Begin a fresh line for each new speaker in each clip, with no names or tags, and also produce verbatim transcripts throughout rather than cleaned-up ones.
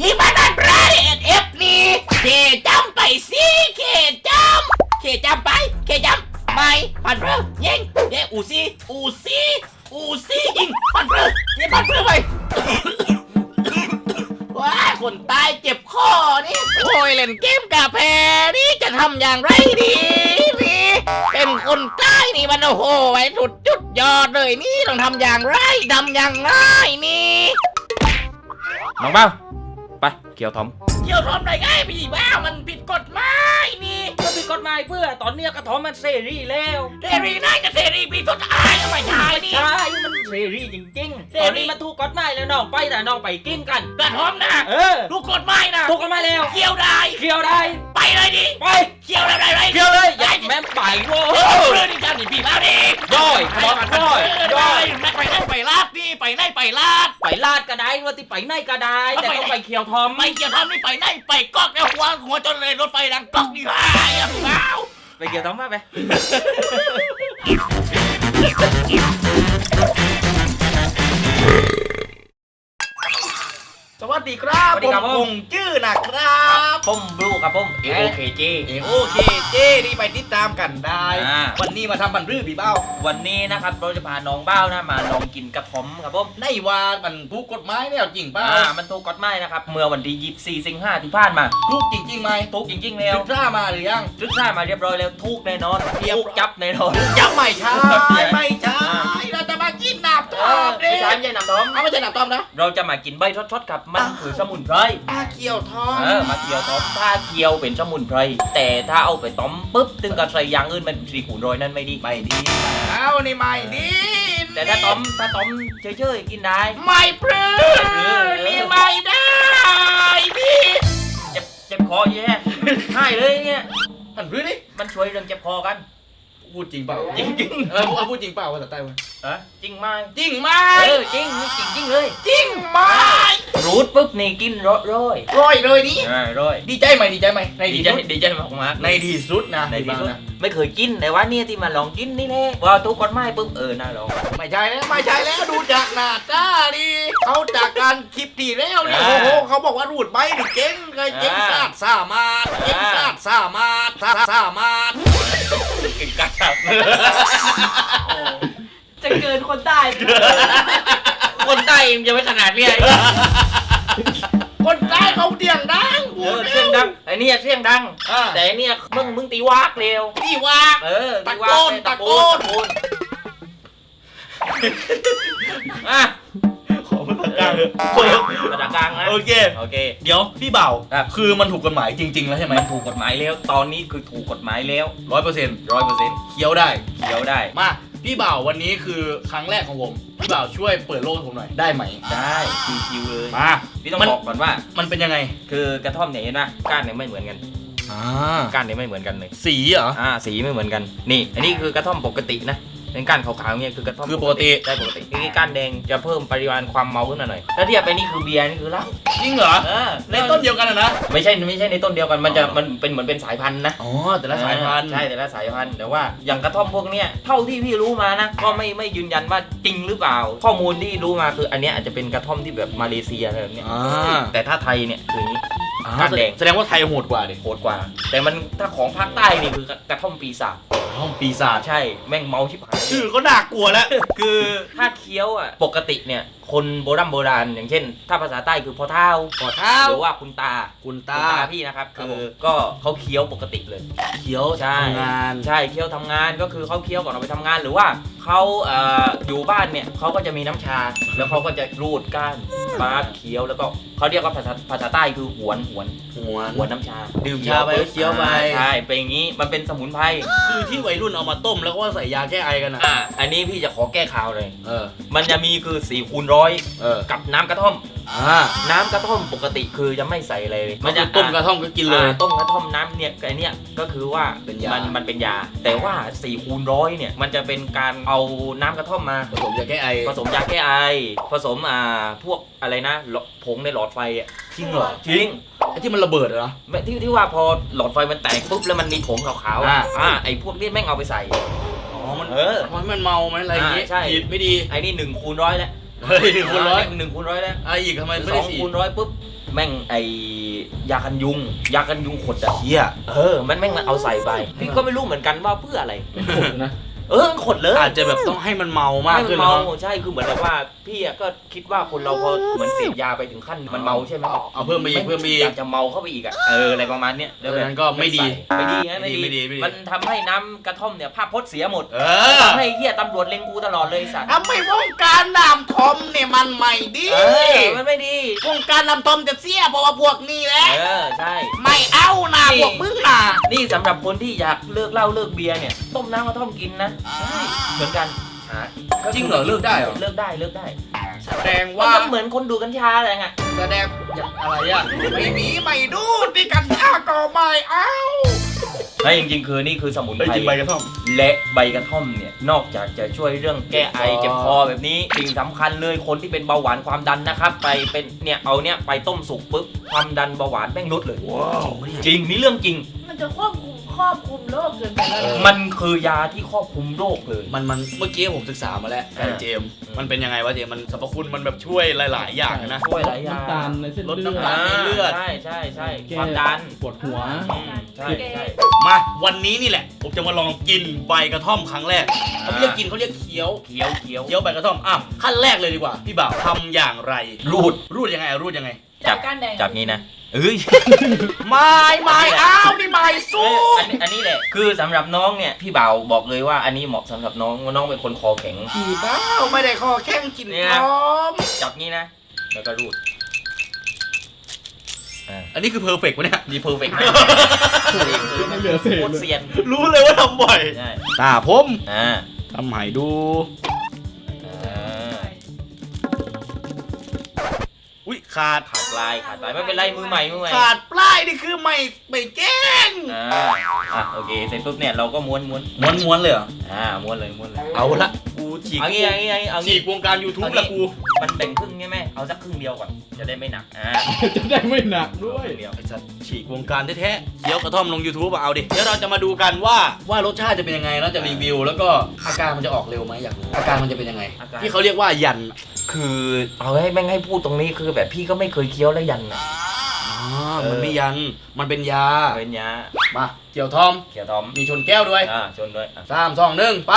ฮิมานันไรเอ็ดเอฟนี่เคจำไปสิเคจำเคจำไปเคจำไม่พันเพื่อยิงเย้อูซี่อูซี่อูซี่ยิงพันเพื่อยิงพันเพื่อไปว้าคนตายเจ็บคอนี่โอ้ยเล่นเกมกาแฟนี่จะทำอย่างไรดีนี่เป็นคนใต้นี่มันโอ้โหไอ้สุดจุดยอดเลยนี่ต้องทำอย่างไรทำอย่างไรนี่
น้องเบ้าไปเกี่ยวทอม
เกี่ยวทอมได้ไงพี่บ้ามันผิดกฎหมายนี่
ก็ผิดกฎหมายเพื่อตอนเนี้ยกระทอมมันเสรีแล้ว
เสรีน่าจะเสรีพี่สุดท้ายไม่ใช่นี่
ใช่มันเสรีจริงๆตอนนี้มันถูกกฎหมายแล้วน้องไปแต่น้องไปกินกัน
กระทอมนะ
เออ
ถูกกฎหมายนะ
ถูกกฎหมายแล้ว
เกี่ยวได้
เกี่ยวได้
ไปเลยดิ
ไป
เกี่ยวได้ไร
เกี่ยวเลยอย่าแม่ไปโว้
โอ้
ย
เรื่องนี้กันนี่พี่บ้าดิ
ย่อยขอโทษย่อย
แม่ไปไหนไปลาดนี่ไปไหนไปลาด
ไปลาดก็ได้ว่าที่ไปไหนก็ได้แต่ต้องไปเกี่ยวทอม
ไม่เกี่ยวทอมนี่ไปไหนไปก๊อกแล้วหัวหัวจนเลยรถไฟดังก๊อกนี่ฮ่าอย่าพี่บ้า
ไปเกี่ยวทอมมาไป
สวัสดีครับ
สวัสดีครับ
ผมคงชื่อนะครับ
ผมบลูครับผมเอโอเคเจ
โอเคเจนี่ไปติดตามกันได้
อ่า
วันนี้มาทำบันรื้อพี่เบ้า
วันนี้นะครับเราจะพาน้องเบ้านะมาลองกินกระทอมครับผม
ในว่ามันถูกกฎหมายแล้วจริงเปล่า
อ่ามันถูกกฎหมายนะครับเมื่อวันที่ยี่สิบสี่สิงหาที่ผ่านมา
ถูกจริงๆไหม
ถูกจริงๆแล้ว
ศึกษามาหรือยัง
ศึกษามาเรียบร้อยแล้วถูกแน่นอน
เรียบ
ถูกจับแน่นอน
ยังไม่ใช่ไม่ใช่เราจะมากินหนาบท
เอ
อ
อ
ม
ไม่
ดิ
ใช่ไม่ใช่น้ำทอม
เอาไม่ใช่หนาบทอมนะ
เราจะมากินใบช็อตๆครับมันคือสมุนไพร
อาเกียวทอม
เออมาเคี่ยวต้มถ้าเคี่ยวเป็นสมุนไพรแต่ถ้าเอาไปต้มปุ๊บถึงกับใส่อย่างอื่นมันสีขุนโรยนั่นไม่ดี
ไม่ดีเอานี่ไม่ดี
แต่ถ้าต้มถ้าต้มเฉยๆกินได้
ไม่ปลื้มนี่ไม่ได้พี่
เจ็บเจ็บคอแย่ให้เลยเนี่ย
หันพื้นดิ
มันช่วยเรื่องเจ็บคอกัน
พูดจริงเปล่า
จริงๆ
เออเอาพูดจริงเปล่าภาษาใต้วะ
เออจริงไหม
จริงไหม
เออจริงนี่จริงจริงเลย
จริงไหม
รูดปุ๊บนี่กินร้อยร้อย
ร้อยเลยนี่
อ่าร้อย
ดีใจไหมดีใจไหมใน
ดี
ที่
ใจ
สุด
ดีใจมากมาก
ในที่สุดนะ
ในที่สุด
นะ
ไม่เคยกินแต่ว่าเนี่ยที่มาลองกินนี่แหละว่าทุกคนไม่ปุ๊บเออน่าลอง
ไม่ใช่แล้วไม่ใช่แล้วดูจากหน้าตาดิเขาจากการคลิปที่แล้วเนี่ย
อ่า
โอ้โหเขาบอกว่ารูดใบนี่เก่งเลยเก่ง
อ่า
ซาดสามารถเก่ง
อ่า
ซาดสามารถซาดสามารถ
กินกัดครับ
จะเกินคนได้
คนใต้ยังจะไม่ขนาดเนี้ย
คนใต้เขาเดียงดัง
เออเสียงดังไอ้เนี่ยเสียงดัง
อ่า
แต่ไอ้เนี่ยมึงมึงตีวากเร็ว
ที่ว่า
เออ
ตะ
ตี
โก
วาก
น
เลย
ตะโกน
ตะโกนอ่ะ
ขอภาษากลาง
ภาษากลางนะ
โอเค
โอเค
เดี๋ยวพี่เบ่า
ครับ
คือมันถูกกฎหมายจริง ๆ แล้วใช่ไหม
มันถูกกฎหมายแล้วตอนนี้คือถูกกฎหมายแล้ว
ร้อยเปอร์เซ็นต์
ร้อยเปอร์เซ็นต์
เคี้ยวได้
เขียวได้
มาพี่เบ่าวันนี้คือครั้งแรกของผมพี่เบ่าช่วยเปิดโลกให้ผมหน่อยได้ไหม
ได้ชิวๆเลย
มา
พี่ต้อง
มัน
บอกก่อนว่า
มันเป็นยังไง
คือกระท่อมเนี่ยเห็นไหมก้านเนี่ยไม่เหมือนกัน
อ่า
ก้านเนี่ยไม่เหมือนกันเลย
สีเหรอ
อ่าสีไม่เหมือนกันนี่อันนี้คือกระท่อมปกตินะเป็นก้านขาวๆเนี่ยคือกระท่อม
คือปกติ
ได้ปกตินี่ก้านแดงจะเพิ่มปริมาณความเมาขึ้นมาหน่อยถ้าเทียบไปนี่คือเบียร์นี่คือเหล้า
จริงเหรอ
เออ
ในต้นเดียวกันอะนะ
ไม่ใช่ไม่ใช่ในต้นเดียวกันมันจะมันเป็นเหมือนเป็นสายพันธุ์นะ
อ๋อแต่ละสายพันธุ์
ใช่แต่ละสายพันธุ์แต่ว่าอย่างกระท่อมพวกเนี้ยเท่าที่พี่รู้มานะก็ไม่ไม่ยืนยันว่าจริงหรือเปล่า ข้อมูลที่รู้มาคืออันเนี้ยอาจจะเป็นกระท่อมที่แบบมาเลเซียอะไรแบบเนี้ย
อ่า
แต่ถ้าไทยเนี่ยคืออย่างนี้
อ่า
ก้านแดง
แสดงว่าไทยโหดกว่าดิ
โหดกว่า แต่มันถ้าของภาคใต้นี่คือกระท่อมปีศาจ
ห้องปีศาจ
ใช่แม่งเมาชิบหาย
ชื่อก็น่ากลัวแล้ว
คือถ้าเคี้ยวอ่ะปกติเนี่ยคนโบราณโบราณอย่างเช่น ถ้าภาษาใต้คือพ่อเฒ่า
ขอเท้า
หรือว่าคุณตา
คุณ
คุณ
ตา
ตาพี่นะครับ
ครับ
คื
ผ
อ
ม
ก็เขาเคี้ยวปกติเลย
เขียว
ใช่
ทำงาน
ใช่เคี้ยวทำงานก็คือเขาเคี้ยวก่อนเอาไปทำงานหรือว่าเขาเอ่ออยู่บ้านเนี่ยเขาก็จะมีน้ำชา แล้วเขาก็จะรูดก้านปาดเคี้ยวแล้วก็เขาเรียกว่าภาษาภาษาใต้คือหวนหวน
หัว
หวนน้ำชา
ดื่มชาไปเคี้ยวไป
ใช่เป็นอย่างนี้มันเป็นสมุนไพร
คือที่วัยรุ่นเอามาต้มแล้วก็ใส่ยาแก้ไอกันนะ
อ่ะอันนี้พี่จะขอแก้ข่าวเลย
เออ
มันจะมีคือสี่คูณร้อย
เออ
กับน้ำกระท่อม
อ่า
น้ำกระท่อมปกติคือจะไม่ใส่อะไรเลย
มันจะต้มกระท่อมก็กินเลย
อ่าต้มกระท่อมน้ำเนี่ยไอเนี่ยก็คือว่า
เป็นยามั
นมันเป็นยา แต่ว่าสี่คูณร้อยเนี่ยมันจะเป็นการเอาน้ำกระท่อมมา
ผสมยาแก้ไอ
ผสมยาแก้ไอ ผสมอ่าพวกอะไรนะหลอดผงในหลอดไฟอ่ะ
จริงเหรอ
จริง
ไอ้ที่มันระเบิดเหรอ
ไม่ที่ที่ว่าพอหลอดไฟมันแตกปุ๊บแล้วมันมีผงขาวๆ
อ่า
อ่ะอ่าไอพวกนี้แม่งเอาไปใส่
อ๋อมัน
เออ
มันมันเมาไหมอะไรอย่างงี้
อ่าใช่
ผิดไม่ดี
ไอนี่หนึ่งคูณร้อยแล้ว
เฮ้ยหนึ่งคูณร้อย
หนึ่งคูณร้อยแล้ว
อะไรอีกทำไมไม่
ส
ได้
อง
สี่
คูณร้อยปุ๊บแม่งไอยากันยุง ยากันยุงขดอะ
เฮีย
เออมันแม่งมันเอาใส่ไปพี่ก็ไม่รู้เหมือนกันว่าเพื่ออะไร
นะ
เออมันขดเลย
อาจจะแบบต้องให้มันเมามาก
ให้มั
ขึ้น
เมา
แล้วมั้ง
ใช่คือเหมือนแบบว่าพี่อะก็คิดว่าคนเราพอเหมือนเสพยาไปถึงขั้นมันเมาใช่ไหม
เอาเพิ่มไปอีกเพิ่มไปอี
อก ยากจะเมาเข้าไปอีกอะเอออะไรประมาณเนี้ย
เออนั้นก็ไม่ดี
ไม่ดีนะ
ไม่
ไม่
ดี
ดี
ไม่ดีไม่ดี
มันทำให้น้ำกระท่อมเนี่ยภาพพจน์เสียหมด
เออ
ทำให้เฮียตำรวจเล็งกูตลอดเลยสัตว์
ทำไมวงการน้ำทอมเนี่ยมันไม่ดี
เออมันไม่ดี
วงการน้ำทอมจะเสียเพราะว่าพวกนี้แหละ
เออใช่
ไม่เอานะ
นี่
พวกมึงนะ
นี่สำหรับคนที่อยากเลิกเหล้าเลิกเบียร์เนี่ยต้มน้ำกระท่อมกินนะเหมือนกันหา
จริงเหรอเลิกได้เหรอ
เลิกได้เลิกได้
แสดง
ว่า
ว่า
เหมือนคนดูกัญชาอะไรไง
แสดง
อะไรอ่ะ
ไม่มีไม่ดูที่กันชาก็ไม่เอา
ไม่จริงๆคือนี่คือสมุน
เฮ้ย
ไพร
จริงใบกระท่อม
และใบกระท่อมเนี่ยนอกจากจะช่วยเรื่องแก้ไอ
เจ็
เจ็
บบ ค
ค
อ
อแบบนี้สิ่งสำคัญเลยคนที่เป็นเบาหวานความดันนะครับไปเป็นเนี่ยเอาเนี่ยไปต้มสุกปุ๊บความดันเบาหวานแม่งลดเลย
ว้าว
จริงนี่เรื่องจริง
มันจะควบคุมครอบคลุมโรคเกินไปแล้ว
มันคือยาที่ครอบคลุมโรคเลย
มันมันเมื่อกี้ผมศึกษามาแล้วไอ้เจมส์
อืม
มันเป็นยังไงวะเจมส์มันสรรพคุณมันแบบช่วยหลาย ๆ อย่างนะ
ช่วยหลายอย่าง
น้ำตาลในเส้น
ลด
เลือ
น้ำตาล
ด
ในเลือด
ใช่ใช่ใช่
แก้
ความดัน
ปวดหัว
อืมใช่ใช่
มาวันนี้นี่แหละ ผมจะมาลองกินใบกระท่อมครั้งแรกเขาไม่เรียกกินเขาเรียกเคี้ยว
เคี้ยวเคี้ยว
เคี้ยวใบกระท่อมอ่ะขั้นแรกเลยดีกว่าพี่บ่าวทำอย่างไร
รูด
รูดยังไงอ่ะรูดยังไง
จับ
ก้านแดง
จับงี้นะเอ้ย
ไม่ไม่เอานี่ไม่สู้
อันนี้อันนี้แหละคือสำหรับน้องเนี่ยพี่บ่าวบอกเลยว่าอันนี้เหมาะสำหรับน้องน้องเป็นคนคอแข็ง
ผีบ้าไม่ได้คอแข้งกิน
เนี่ย
พร้อม
จับงี้นะ แล้วก็รูดอ่า
อันนี้คือเพอร์เฟกต์วะเนี่ย
ดีเพอร์เฟกต์
ไม่เหลือเศษ
โคตร
เลย
เซียน
รู้เลยว่าทำบ่อย
ใช่
ตาผม
อ่า
ทำให้ดู
อ่า
อุ้ยขาด
ขาดลายขาดลายไม่เป็นไรมือใหม่มือใหม่
ขาดปลายนี่คือไม่ไม่แกล้ง
อ่าอ่ะโอเคเสร็จปุ๊บเนี่ยเราก็ม้วนม้วน
ม้วนม้วนๆเลยเหรอ
อ่าม้วนเลยม้วนเลย
เอาละกูฉีก
เอางี้เอางี้เอางี้เอา
ฉี
งี้
กวงการ YouTube
เอางี้
ละกู
มันแบ่งครึ่งใช่ไหมเอาสักครึ่งเดียวก่อนจะได้ไม่หนักอ่า
จะได้ไม่หนักด้วย
ครึ่งเดียว
ไอ้สัตว์ฉีกวงการแท้ๆเคี้ยวกระท่อมลง YouTube อะเอาดิ เดี๋ยวเราจะมาดูกันว่าว่ารสชาติจะเป็นยังไงแล้วจะรีวิว แล้วก็อาการมันจะออกเร็วไหมอยากรู้อาการมันจะเป็นยังไง ที่เขาเรียกว่ายัน
คือเอาให้แม่งให้พูดตรงนี้คือแบบพี่ก็ไม่เคยเคี้ยวแล้วยันอ่ะ
อ๋อ มันไม่ยัน มันเป็นยา
เป็นยา
มาเกี่ยวทอม
เขียวทอม
มีชนแก้วด้วย
อ่าชนด้วยอ่ะ
สามสองหนึ่งไป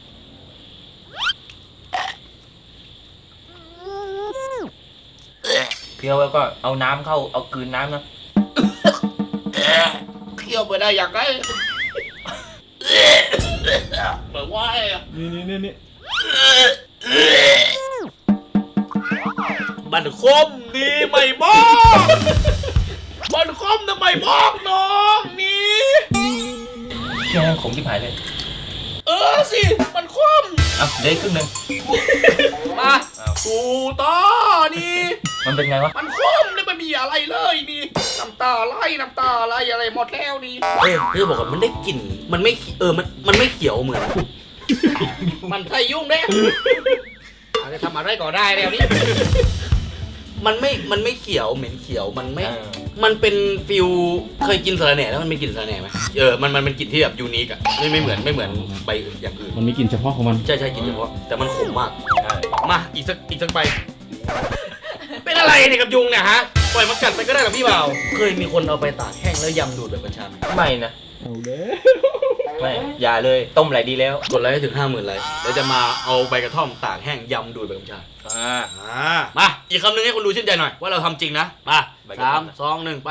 เคี้ยวแล้วก็เอาน้ำเข้าเอากลืนน้ำนะ
เคี้ยวไปได้อยากได้เปิดว่าไอ้อะ
นี่นี่นี่นี่
บันคมดีไม่บอกบันคมทำไมบอกน้องนี่
เคี้ยวขมที่ผายเลย
เออสิมันคม
อ่ะเดี๋ยวอีกครึ่งหนึ่ง
มา
อ้าว
กูต่อนี่
มันเป็นไงวะ
มันคมเลยไม่มีอะไรเลยนี่น้ำตาไหลน้ำตาไหลอะไรหมดแล้วนี่
เออพี่บอกว่ามันได้กลิ่น มันไม่ เออ มัน มันไม่เขียวเหมือน
มันใส่ยุ่งแน่อาจจะทำอะไรก็ได้แล้วนี่
มันไม่ มันไม่เขียว เหม็นเขียว มันไม่
เออ
มันเป็นฟิลเคยกินสาระแหน่แล้วมันเป็นกลิ่นสาระแหน่ไหมเออ มัน มันเป็นกลิ่นที่แบบยูนิคอะไม่ไม่เหมือน ไม่เหมือนใบอื่นอย่างอื่น
มันมีกลิ่นเฉพาะของมัน
ใช่ใช่กลิ่นเฉพาะ แต่มันขมมาก
ใช่
มา อีกสัก อีกสักใบ เป็นอะไรเนี่ยกับยุงเนี่ยฮะ ปล่อยมันกัดไปก็ได้กับพี่เบาเคยมีคนเอาไปตากแห้งแล้วยำดูดแบบกัญชาไหม
ไม่นะ
เอาเด้
ไม่อย่าเลยต้มไหลดีแล้ว
กดไลค์ให้ถึงห้าหมื่นไลค์แล้วจะมาเอาใบกระท่อมตากแห้งยำดูดแบบกัญชา
อ่า
อ่ามา อีกคำหนึ่งให้คนดูชื่นใจหน่อย ว่าเราทำจริงนะ มา
ใบกระ
สา
ท่อ
ม
ม
สองหนึ่งไป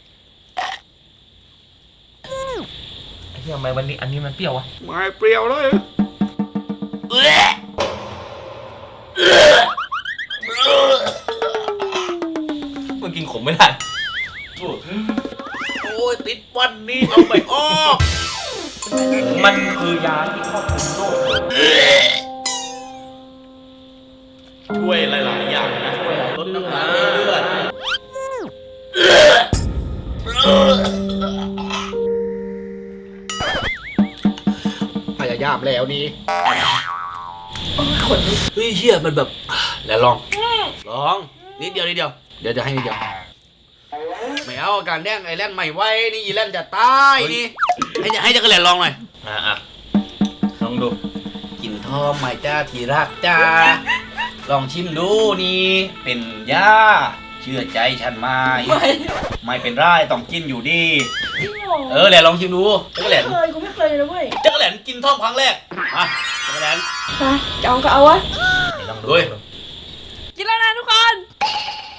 ไอ้เหี้ยทำไมวันนี้อันนี้มันเปรี้ยววะ
ไม่เปรี้ยวเลย
มันกินขมไม่ได้
โอ้ยติดวันนี้เอาไปออก
มันคือยาที่ครอบคลุมโรคเลย
ช่วยหลาย ๆ อย่างนะลดน้ำตาลในเลือด
พยายามแล้วนี่
เฮ้ยเชี่ยมันแบบ แล้วลอง ลอง นิดเดียวนิดเดียว เดี๋ยวจะให้นิดเดียว ไม่เอาอาการแดงไอ้แล่นไม่ไหวนี่อีแล่นจะตายนี่ ให้ให้จักรแลนลองหน่อย
อ่ะอ่ะลองดู
กินทอมไหม่จ้าทีรักจ้าลองชิมดูนี่เป็นยาเชื่อใจฉันไหม
ไม่
ไม่เป็นไรต้องกินอยู่ดี
จริงเหรอ
เออแหละลองชิมดูจักรแหล
ไม่
น
เคยกูไม่เคยเลยนะเว้ย
จักรแหลนกินท่อมครั้งแรกอ่ะจักรแหลน
ไปจะเอาก็เอาวะ
ลองดู
เฮ้ย
กินแล้วนะทุกคน
ไป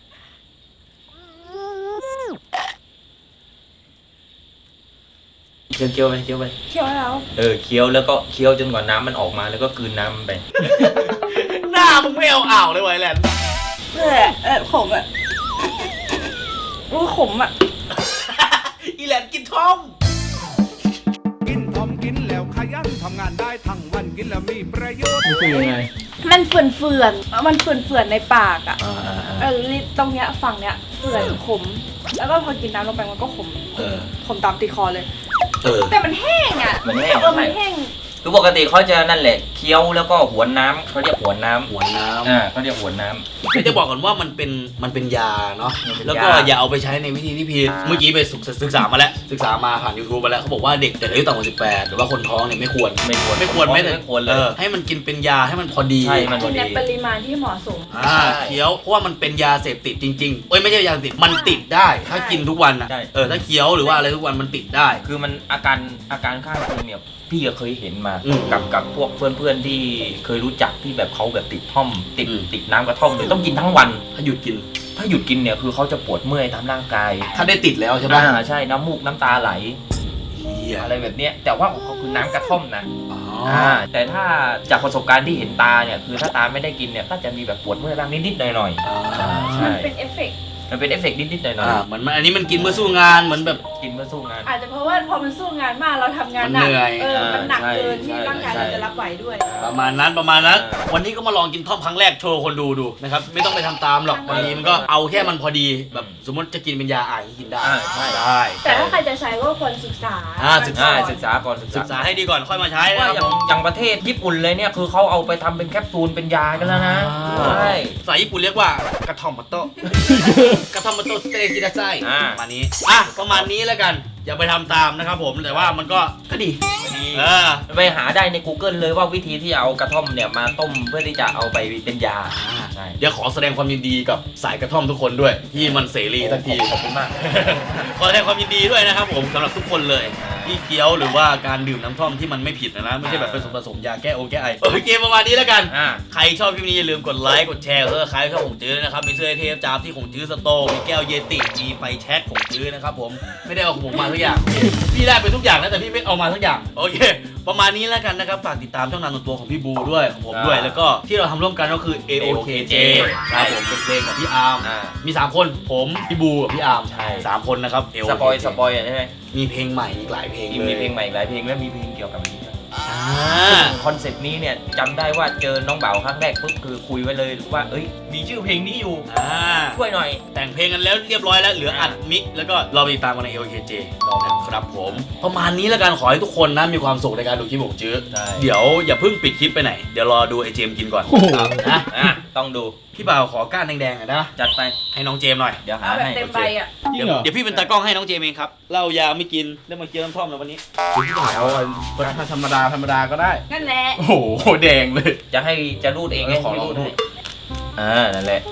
เคี้ยวเคี้ยวไปเคี้ยวไป
เคี่ยวแล้ว
เออเคี้ยวแล้วก็เคี้ยวจนกว่าน้ำมันออกมาแล้วก็กลืนน้ำมันไป
หน้ามึงไม่เอาอ่าวเลยไวะไอ้แหลน
เออเออขมอ่ะรู้ขมอ่ะ
อีแหลนกินท่อม
กินทอมกินแล้วขยันทำงานได้ทั้งวันกินแล้วมีประโยชน์
นี่คือยังไง
มันเฟื่อนเฟื่อนๆมันเฟื่อนเฟื่อนๆในปากอ่ะ
อ่าอ่าอ่า
เออลิ้นตรงเนี้ยฝั่งเนี้ยเฟื่อนขม แล้วก็พอกินน้ำลงไปมันก็ขม
เออ
ขมตามติดคอเลย
เออ
แต่มันแห้งอ่ะ
มันแห้ง
เออมันแห้ง
คือปกติเขาจะนั่นแหละเคี้ยวแล้วก็หวนน้ำเขาเรียกหวนน้ำ
หัวน้ำ
อ่าเขาเรียกหวนน้ำ
ไม่จะบอกก่อนว่ามันเป็นมันเป็นยาเนาะ
มันเป็นยา
แล้วก็อย่าเอาไปใช้ในวิธีที่ผิดเมื่อกี้ไปศึกศึกษามาแล้วศึกษามาผ่าน YouTube มาแล้วเขาบอกว่าเด็กแต่อายุต่ำกว่าสิบแปดหรือว่าคนท้องเนี่ยไม่ควร
ไม่ควร
ไม่ควรไม่แต่
ไม่ควรเล
เอย อให้มันกินเป็นยาให้มันพอดี
ใช่มัน
กินในปริมาณที่เหมาะสม
อ่าเคี้ยวเพราะว่ามันเป็นยาเสพติดจริงๆเอ้ยไม่ใช่ยาเสพติดมันติดได้ ถ้ากินทุกวันอ่ะ
ใช่
เออถ้าเคี้ยวหรือว่าอะไรทุกวันมันติดได้
คือมันอาการอาการข้างเคียงเนี่ยพี่ก็เคยเห็นมา
อืม
กับกับพวกเพื่อนๆที่เคยรู้จักที่แบบเขาแบบติดท่อม ติด
อืม
ติดน้ำกระท่อมเลยต้องกินทั้งวัน
ถ้าหยุดกิน
ถ้าหยุดกินเนี่ยคือเขาจะปวดเมื่อยตามร่างกาย
ถ้าได้ติดแล้วใช่ปะ
อ่าใช่น้ำมูกน้ำตาไหล
เหี้ย
อะไรแบบเนี้ยแต่ว่าของเขาคือน้ำกระท่อมนะ
อ๋อ
อ่าแต่ถ้าจากประสบการณ์ที่เห็นตาเนี่ยคือถ้าตาไม่ได้กินเนี่ยก็จะมีแบบปวดเมื่อยบ้างนิดๆหน่อย
อ่า
ๆใช่
มันเป็นเอฟเฟกต์
มันเป็นเอฟเฟกต์นิดๆหน่อย
อ่าเหมือนมันอันนี้มันกินเมื่อสู้งานเหมือนแบบ
ๆกินเพื่อสู้งาน
อาจจะเพราะว่าพอมันสู้งานมากเราทำงาน
มัน
หนั
เหนื่อย
เออมันหนัก
ใช่
เกินที่
ใช่
ร่างกาย
ใช่
เราจะรับไหวด้วย
ประมาณนั้นประมาณนั้น
อ่า
วันนี้ก็มาลองกินท่อมครั้งแรกโชว์คนดูดูนะครับไม่ต้องไปทำตามหรอก
ใช่
บางทีมันก็เอาแค่มันพอดีแบบสมมติจะกินเป็นยาอ่านกินได้
อ่าใช่
ได้
แต่ถ้าใครจะใช้ก็ควรศึกษา
อ่าศึกษ
อ่าศึกษาก่อนศึก
ศึก
ษา
ษาให้ดีก่อนค่อยมาใช้นะ
ว่า
ครับ
อย่าง
ผม
อย่างประเทศญี่ปุ่นเลยเนี่ยคือเขาเอาไปทำเป็นแคปซูลเป็นยากันแล้วนะ
อ่า
ใช่
ภาษาญี่ปุ่นเรียกว่ากระท่อมมัตโตะ กระท่อมมัตโตะสเตกิดาไซ
อ่า
ประมาณนี้อ่ะประมาณนี้แล้วกันอย่าไปทำตามนะครับผมแต่ว่ามันก็ก็ดี
ดี
เออ
ไปหาได้ใน Google เลยว่าวิธีที่เอากระท่อมเนี่ยมาต้มเพื่อที่จะเอาไปเป็นยาใช่
เดี๋ยวขอแสดงความยินดีกับสายกระท่อมทุกคนด้วย ที่มันเสรีสักที
ขอบคุณมาก
ขอแสดงความยินดีด้วยนะครับผมสำหรับทุกคนเลย ที่เคี้ยวหรือว่าการดื่มน้ำท่อมที่มันไม่ผิดนะนะไม่ใช่แบบเป็นส่วนผสมยาแก้องแก้ไอโอเคประมาณนี้แล้วกัน
อ่า
ใครชอบคลิปนี้อย่าลืมกดไลค์กดแชร์เออใครชอบของจื้อนะครับมีเสื้อเทพจ้าบที่ของจื้อสโตร์มีแก้วเยติมีไฟแช็กของจื้อนะครับผมไม่ได้เอาของผมมาทุกอย่างพี่ได้ไปทุกอย่างนะแต่พี่ไม่เอามาทุกอย่างโอเค ประมาณนี้แล้วกันนะครับฝากติดตามช่องทางส่วนตัวของพี่บูด้วยของผมด้วย
อ่า
แล้วก็ที่เราทำร่วมกันก็คือ เอ โอ เค เจ ครับผมเป็นเพลงของพี่อาร์ม
อ่า
มีสามคนผมพี่บูกับพี่อาร์ม
ใช่
สามคนนะครับ เอ โอ
ส
เค
ปอยสปอยอ่ะใช่ไหม
มีเพลงใหม่อีกหลายเพลง
มี
เลย
มีเพลงใหม่อีกหลายเพลงแล้วมีเพลงเกี่ยวกับอันนี้ด้วย
อ่า
คอนเซปต์นี้เนี่ยจำได้ว่าเจอน้องเบาครั้งแรกปุ๊บคือคุยไว้เลยว่าเอ้ยมีชื่อเพลงนี้อยู่
อ่า
ช่วยหน่อย
แต่งเพลงกันแล้วเรียบร้อยแล้วเหลืออัดมิกซ์แล้วก็เราไปติดตามกันใน เอ โอ เค เจ ครับผม ประมาณนี้แล้วกันขอให้ทุกคนนะมีความสุขในการดูคลิปของจื้อ
ได้
เดี๋ยวอย่าเพิ่งปิดคลิปไปไหน เดี๋ยวรอดูไอเจมส์กินก่อน
โอ้โห
นะ
อ่ะต้องดู
พี่บ่าวขอก้านแดงๆหน่อยนะ
จัดไป
ให้น้องเจมส์หน่อย
เดี๋ยวหา
เอาแบบ
ให้
เต็มใบอ่ะ
จริ
เดี๋
ง
ยว
เหรอ
เดี๋ยวพี่เป็นตากล้องให้น้องเจมส์เองครับเหล้ายาไม่กินได้มาเคี้ยวน้ำท่อมแล้ววันนี้
เอาธรรมดาธรรมดาก็ได้
นั่นแหละ
โอ้โหแดงเลย
จะให้จะรูดเองไง
เออขอลอง
ไม่
ดู
ให้อ่านั่นแหละ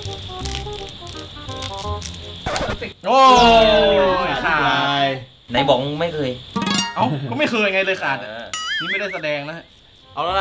โอ้ยขาด
ไหนบอกไม่เคย
เอ้าก็ไม่เคยไงเลยขาด
เออ
นี่ไม่ได้แสดงนะ
เอาแล้วนะ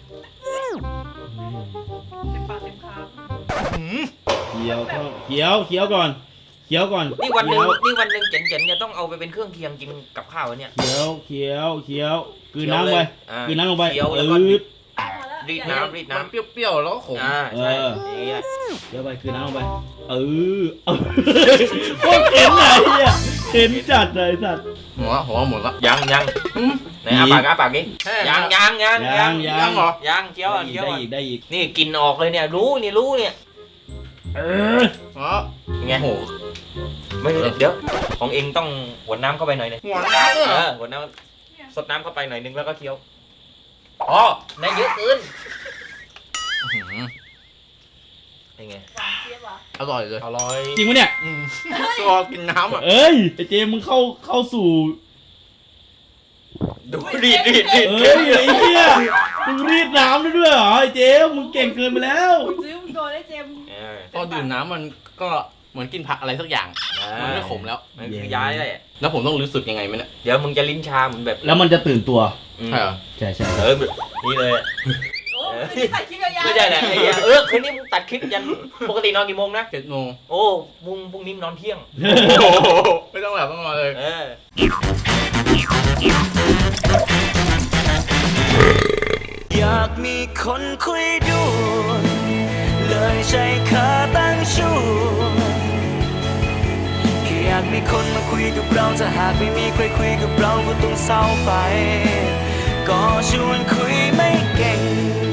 เต็มปากเต็มค
เคี้ยวเข้าเคี้ยวเคี้ยวก่อนเคี้ยวก่อน
นี่วันหนึ่ง
เคี้ยว
นี่วันหนึ่งเจ๋งๆจะต้องเอาไปเป็นเครื่องเคียงกินกับข้าวเนี่ย
เคี้ยวเคี้ยวเคี้ยวกลืนน้ำไป
อ่าก
ลืนน้ำลงไป
เคี้ยว
เอ
แล้วก็
อ
รีดน้ำรีดน้ำ
เปรี้ยวๆแล้วขม
อ่าใช่
เออ
อย่างนี้แหละ
เคี้ยวไปกลืนน้ำลงไปเออเออโคตรเข็นไหนอ่ะเข็นจัดเลยสัตว์
หัวหัวหมดละ
ยังยังไหนอาปากอาปากดิ
แค่
ยังยังยัง
ยังยัง
เหรอ
ยังเคี้ยว
ได้
อ่ะ
อีก
เคี้ยว
ได้
อ่ะ
อีกได้อีก
นี่กินออกเลยเนี่ยรู้นี่รู้เนี่ย
เออ
อ๋อ
ยังไง
โอ้โห
ไม่เดี๋ยวของเองต้องหวนน้ำเข้าไปหน่อยหนึง
หัวน้ำเลย
เอ
เหรอ
อหวนน้ำสดน้ำเข้าไปหน่อยนึงแล้วก็เคี้ยวอ๋อในเยอะเกิน
อื้อหือ
เป็นไง
หวานเจี๊ยบอ่ะ
อร่อยเลย
อร่อย
จริงปะเนี่ย
อืมตัวกินน้ำอ่ะ
เอ้ยไอเจมมึงเข้าเข้าสู่
ดูรีดรีดรีด
เฮ้ยไอ้เหี้ยมึงรีดน้ำได้ด้วยเหรอไอ้เจมส์มึงเก่งเกินไปแล้ว
ซื้อมึงโดนได้เจมส์
เออ
พอดื่มน้ำมันก็เหมือนกินผักอะไรสักอย่าง มันไม่ขมแล้ว
มันคือย้ายได้อะ
แล้วผมต้องรู้สึกยังไงไหมเนี่ย
เดี๋ยวมึงจะลิ้นชาเหมือนแบบ
แล้วมันจะตื่นตัว
อืม
ใช่เหรอ
ใช่ใช่
เออแบบนี่เลยอะ
โอ้ยคือถ่ายคลิปยาวๆ
ไม่ใช่แหละไอ้เหี้ยเออคืนนี้มึงตัดคลิปยันปกตินอนกี่โมงนะ
เจ็ดโมง
โอ้มึงพรุ่งนี้มึงนอนเที่ยง
ไม่ต้องแบบต้องนอนเลย
เออ
อยากมีคนคุยด้วยเลยใช้ขาตั้งชูแค่อยากมีคนมาคุยกับเราถ้าหากไม่มีใครคุยกับเราก็ต้องเศร้าไป ก็ชวนคุยไม่เก่ง